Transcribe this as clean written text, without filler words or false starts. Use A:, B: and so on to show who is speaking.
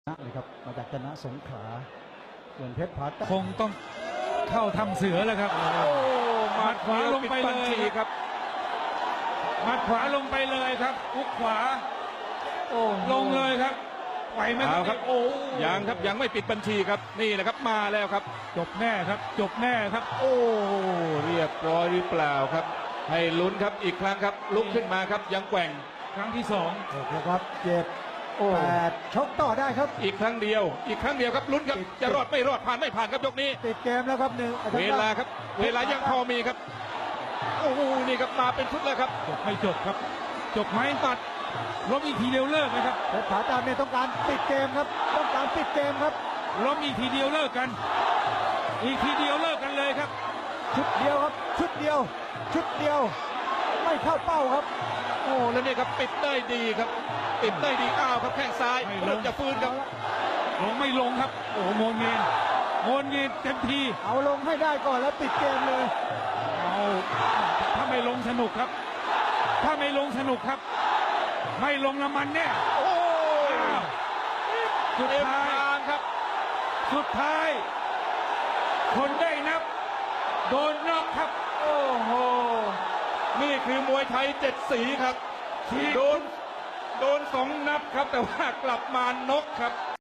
A: เลยครับมาจากชนะสงขลาส่วนเพชรผาแต้ม
B: คงต้องเข้าทำเสือแล้วครับหมัดขวาลงไปเลยครับหมัดขวาลงไปเลยครับอุกขวาลงเลยครับไหวไหมครับ
C: โอ้ยังครับยังไม่ปิดบัญชีครับนี่แหละครับมาแล้วครับ
B: จบแน่ครับจบแน่ครับ
C: โอ้เรียบร้อยหรือเปล่าครับให้ลุ้นครับอีกครั้งครับลุกขึ้นมาครับยังแกว่ง
B: ครั้งที่2
A: นะครับ7-8ชกต่อได้ครับ
C: อีกครั้งเดียวครับลุ้นครับจะรอดไม่รอดผ่านไม่ผ่านครับยกนี้
A: ติดเกมแล้วครับ
C: เวลาครับเวลายังพอมีครับโอ้โหนี่ครับมาเป็นชุดแล้วครับ
B: จบไม่จบครับจบไหมตัดล้มอีกทีเดียวเลิกนะครับ
A: เพชรผาแต้มเนี่ยต้องการปิดเกมครับต้องการปิดเกมครับ
B: ล้มอีกทีเดียวเลิกกันอีกทีเดียวเลิกกันเลยครับ
A: ชุดเดียวครับชุดเดียวไม่เข้าเป้าครับ
C: โอ้แล้วนี่ครับปิดได้ดีครับปิดได้ดีอ้าวครับแข้งซ้ายเริ่มจะฟื้นครับ
B: ลงไม่ลงครับโอ้โงนเงินเต็มที
A: เอาลงให้ได้ก่อนแล้วปิดเกมเลย
B: เอาถ้าไม่ลงสนุกครับถ้าไม่ลงสนุกครับไม่ลงน้ำมันแน่
C: โอ้
B: สุดท้าย
C: ครับ
B: สุดท้ายคนได้นับโดนน็อกครับ
C: โอ้โหนี่คือมวยไทย7 สีครับโดน2 นับครับแต่ว่ากลับมาน็อกครับ